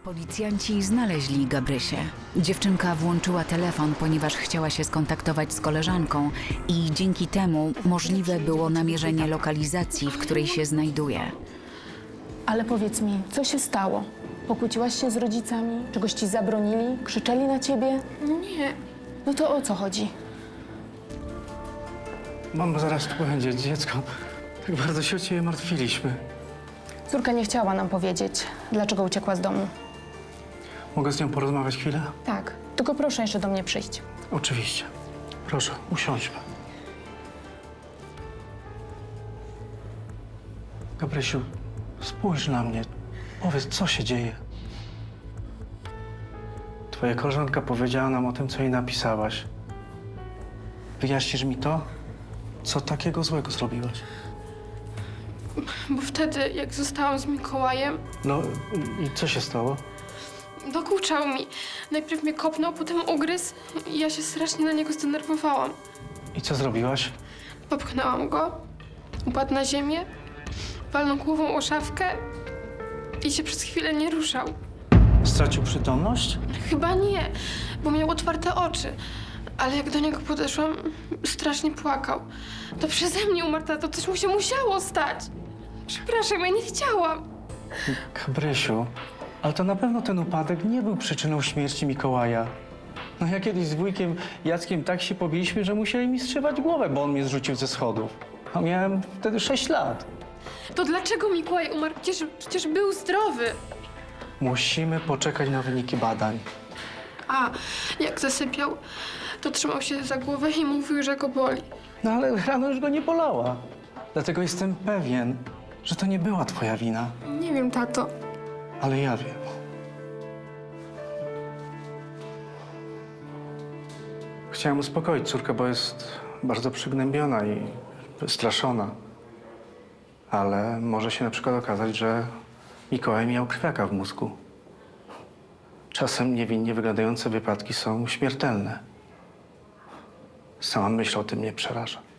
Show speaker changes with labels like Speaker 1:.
Speaker 1: Policjanci znaleźli Gabrysię. Dziewczynka włączyła telefon, ponieważ chciała się skontaktować z koleżanką i dzięki temu możliwe było namierzenie lokalizacji, w której się znajduje.
Speaker 2: Ale powiedz mi, co się stało? Pokłóciłaś się z rodzicami? Czegoś ci zabronili? Krzyczeli na ciebie?
Speaker 3: Nie.
Speaker 2: No to o co chodzi?
Speaker 4: Mamo, zaraz tu będzie dziecko. Tak bardzo się o ciebie martwiliśmy.
Speaker 2: Córka nie chciała nam powiedzieć, dlaczego uciekła z domu.
Speaker 4: Mogę z nią porozmawiać chwilę?
Speaker 2: Tak, tylko proszę jeszcze do mnie przyjść.
Speaker 4: Oczywiście. Proszę, usiądźmy. Gabrysiu, spójrz na mnie. Powiedz, co się dzieje. Twoja koleżanka powiedziała nam o tym, co jej napisałaś. Wyjaśnisz mi to? Co takiego złego zrobiłaś?
Speaker 3: Bo wtedy, jak zostałam z Mikołajem,
Speaker 4: No i co się stało?
Speaker 3: dokuczał mi. Najpierw mnie kopnął, potem ugryzł i ja się strasznie na niego zdenerwowałam.
Speaker 4: I co zrobiłaś?
Speaker 3: Popchnęłam go, upadł na ziemię, walnął głową o szafkę i się przez chwilę nie ruszał.
Speaker 4: Stracił przytomność?
Speaker 3: Chyba nie, bo miał otwarte oczy. Ale jak do niego podeszłam, strasznie płakał. To przeze mnie umarł, tato, coś mu się musiało stać. Przepraszam, ja nie chciałam.
Speaker 4: Gabrysiu, ale to na pewno ten upadek nie był przyczyną śmierci Mikołaja. No ja kiedyś z wujkiem Jackiem tak się pobiliśmy, że musieli mi strzymać głowę, bo on mnie zrzucił ze schodów. A miałem wtedy 6 lat.
Speaker 3: To dlaczego Mikołaj umarł? Przecież był zdrowy.
Speaker 4: Musimy poczekać na wyniki badań.
Speaker 3: A jak zasypiał, to trzymał się za głowę i mówił, że go boli.
Speaker 4: No ale rano już go nie bolała. Dlatego jestem pewien, że to nie była twoja wina.
Speaker 3: Nie wiem, tato.
Speaker 4: Ale ja wiem. Chciałem uspokoić córkę, bo jest bardzo przygnębiona i wystraszona. Ale może się na przykład okazać, że Mikołaj miał krwiaka w mózgu. Czasem niewinnie wyglądające wypadki są śmiertelne. Sama myśl o tym mnie przeraża.